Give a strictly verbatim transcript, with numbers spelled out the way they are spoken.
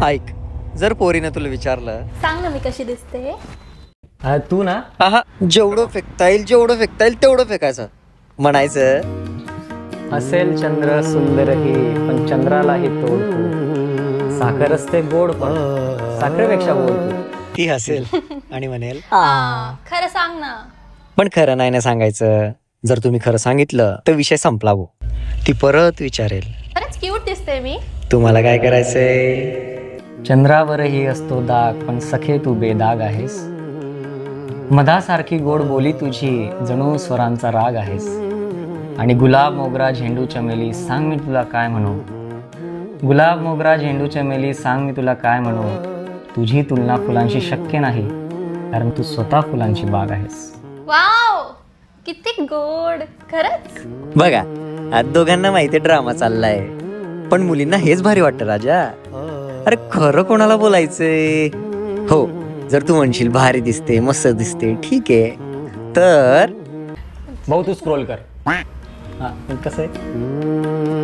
ऐक, जर पोरीनं तुला विचारलं, सांग ना मी कशी दिसते. हा, तू ना आहा जेवढं फेकता येईल जेवढं फेकता येईल तेवढं फेकायचं, म्हणायचं असेल चंद्र सुंदर हे पण चंद्रालाही तोडतो, साखर असते गोड पण साखरेपेक्षा गोड तू. ती हसेल आणि म्हणेल हा, खरं सांग ना. पण खरं नाही ना सांगायचं. जर तुम्ही खरं सांगितलं तर विषय संपला भाऊ. ती परत विचारेल, खरंच क्यूट दिसते मी. तुम्हाला काय करायचंय. चंद्रावरही असतो दाग पण सखे तू बेदाग आहेस, मधासारखी गोड बोली तुझी जणू स्वरांचा राग आहेस, आणि गुलाब मोगरा झेंडू चमेली सांग मी तुला काय म्हणू, गुलाब मोगरा झेंडू चमेली सांग मी तुला काय म्हणू, तुझी तुलना फुलांशी शक्य नाही कारण तू स्वतः फुलांची बाग आहेस. वाव, किती गोड. खरंच. बघा, आज दोघांना माहिती ड्रामा चाललाय, पण मुलींना हेच भारी वाटतं राजा. अरे खरं कोणाला बोलायचंय. हो, जर तू म्हणशील भारी दिसते मस्त दिसते ठीक आहे, तर भाऊ तू स्क्रोल कर. हा, पण कसं आहे